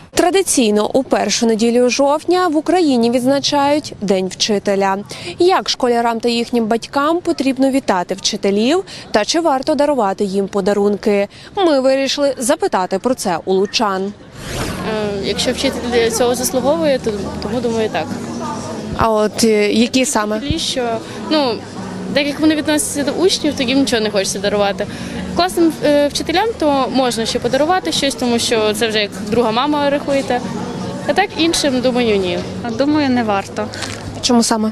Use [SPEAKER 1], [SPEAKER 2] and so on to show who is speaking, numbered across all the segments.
[SPEAKER 1] Традиційно у першу неділю жовтня в Україні відзначають День вчителя. Як школярам та їхнім батькам потрібно вітати вчителів та чи варто дарувати їм подарунки? Ми вирішили запитати про це у лучан.
[SPEAKER 2] Якщо вчитель цього заслуговує, то тому думаю так.
[SPEAKER 1] А от які саме?
[SPEAKER 2] Що, так як вони відносяться до учнів, то їм нічого не хочеться дарувати. Класним вчителям то можна ще подарувати щось, тому що це вже як друга мама рахуєте. А так іншим, думаю, ні.
[SPEAKER 3] Думаю, не варто.
[SPEAKER 1] Чому саме?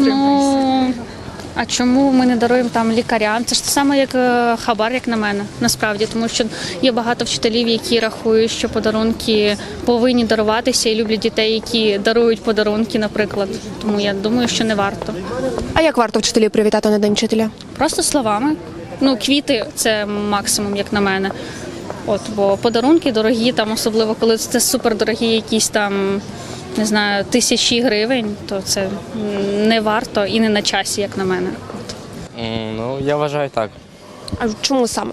[SPEAKER 3] А чому ми не даруємо там лікарям? Це ж те саме, як хабар, як на мене, насправді. Тому що є багато вчителів, які рахують, що подарунки повинні даруватися і люблять дітей, які дарують подарунки, наприклад. Тому я думаю, що не варто.
[SPEAKER 1] А як варто вчителів привітати на День вчителя?
[SPEAKER 3] Просто словами. Квіти – це максимум, як на мене. Бо подарунки дорогі, там, особливо коли це супердорогі якісь там, не знаю, тисячі гривень, то це не варто і не на часі, як на мене.
[SPEAKER 4] Я вважаю так.
[SPEAKER 1] А чому саме?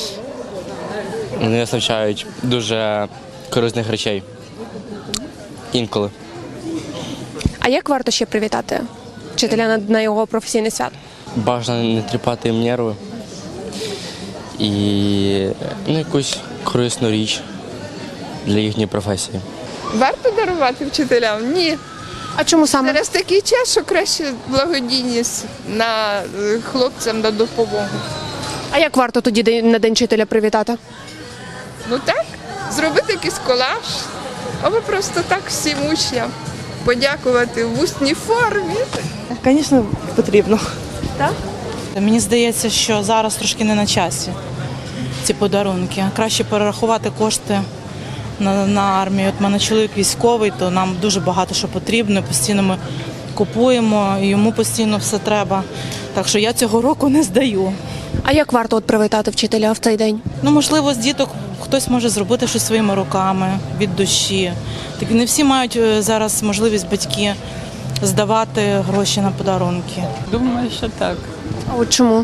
[SPEAKER 4] Вони вистачають дуже корисних речей. Інколи.
[SPEAKER 1] А як варто ще привітати вчителя на його професійне свято?
[SPEAKER 4] Бажано не тріпати їм нерви. І якусь корисну річ для їхньої професії.
[SPEAKER 5] Варто дарувати вчителям? Ні.
[SPEAKER 1] А чому саме?
[SPEAKER 5] Зараз такий час, що краще благодійність на хлопцям на допомогу.
[SPEAKER 1] А як варто тоді на День вчителя привітати?
[SPEAKER 5] Так, зробити якийсь колаж, або просто так всім учням подякувати в усній формі.
[SPEAKER 6] Звісно, потрібно.
[SPEAKER 1] Так?
[SPEAKER 6] Мені здається, що зараз трошки не на часі ці подарунки. Краще перерахувати кошти на армію. От в мене чоловік військовий, то нам дуже багато що потрібно. Постійно ми купуємо, і йому постійно все треба. Так що я цього року не здаю.
[SPEAKER 1] А як варто привітати вчителя в цей день?
[SPEAKER 6] Можливо, з діток хтось може зробити щось своїми руками, від душі. Так не всі мають зараз можливість батьки здавати гроші на подарунки.
[SPEAKER 7] Думаю, що так.
[SPEAKER 1] А от чому?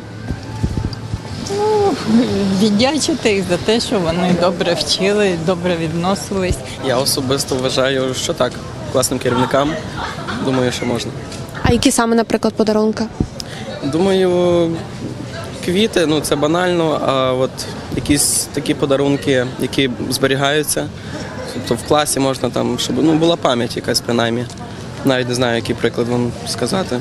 [SPEAKER 7] Віддячити їх за те, що вони добре вчили, добре відносились.
[SPEAKER 8] Я особисто вважаю, що так. Класним керівникам, думаю, що можна.
[SPEAKER 1] А які саме, наприклад, подарунки?
[SPEAKER 8] Думаю, квіти, це банально, а от якісь такі подарунки, які зберігаються, тобто в класі можна там, щоб була пам'ять якась принаймні. Навіть не знаю, який приклад вам сказати.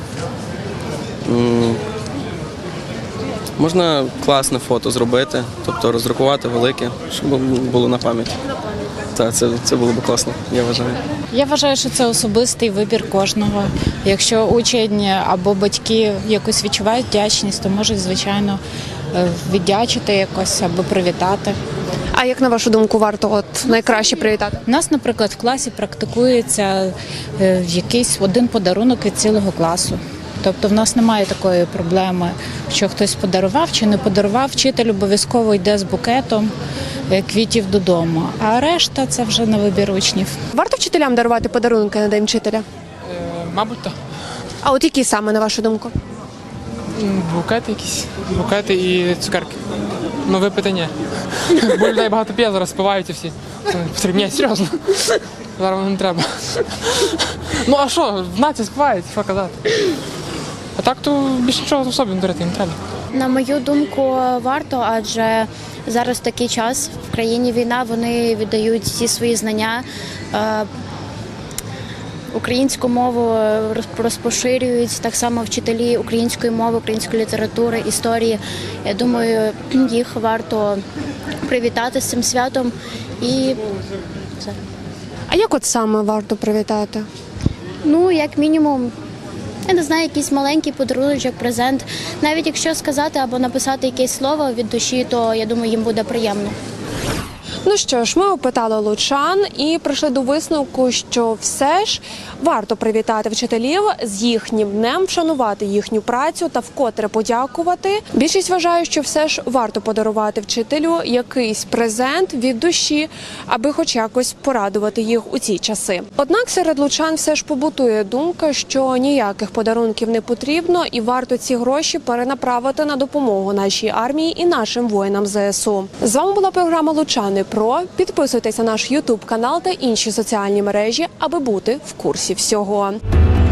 [SPEAKER 8] Можна класне фото зробити, тобто роздрукувати велике, щоб було на пам'ять. Так, це було б класно, я вважаю.
[SPEAKER 9] Я вважаю, що це особистий вибір кожного. Якщо учень або батьки якось відчувають вдячність, то можуть, звичайно, віддячити якось або привітати.
[SPEAKER 1] А як, на вашу думку, варто найкраще привітати?
[SPEAKER 9] У нас, наприклад, в класі практикується якийсь один подарунок від цілого класу. Тобто в нас немає такої проблеми, що хтось подарував чи не подарував. Вчитель обов'язково йде з букетом квітів додому, а решта – це вже на вибір учнів.
[SPEAKER 1] Варто вчителям дарувати подарунки на День вчителя?
[SPEAKER 7] Мабуть, так.
[SPEAKER 1] А от які саме, на вашу думку?
[SPEAKER 7] Букети якісь. Букети і цукерки. Випити ні. Бо людей багато п'є, зараз спиваються всі. Це не потрібно. Ні, серйозно. Зараз воно не треба. А що, в нації спивають, що казати. А так то більше нічого особливо дарити не треба.
[SPEAKER 10] На мою думку, варто, адже зараз такий час, в країні війна, вони віддають всі свої знання, українську мову розпоширюють, так само вчителі української мови, української літератури, історії. Я думаю, їх варто привітати з цим святом і все.
[SPEAKER 1] А як саме варто привітати?
[SPEAKER 10] Як мінімум, я не знаю, якийсь маленький подарунок, презент. Навіть якщо сказати або написати якесь слово від душі, то, я думаю, їм буде приємно.
[SPEAKER 1] Ну що ж, ми опитали лучан і прийшли до висновку, що все ж варто привітати вчителів з їхнім днем, вшанувати їхню працю та вкотре подякувати. Більшість вважає, що все ж варто подарувати вчителю якийсь презент від душі, аби хоч якось порадувати їх у ці часи. Однак серед лучан все ж побутує думка, що ніяких подарунків не потрібно і варто ці гроші перенаправити на допомогу нашій армії і нашим воїнам ЗСУ. З вами була програма «Лучани. Про. Підписуйтесь на наш YouTube канал та інші соціальні мережі, аби бути в курсі всього.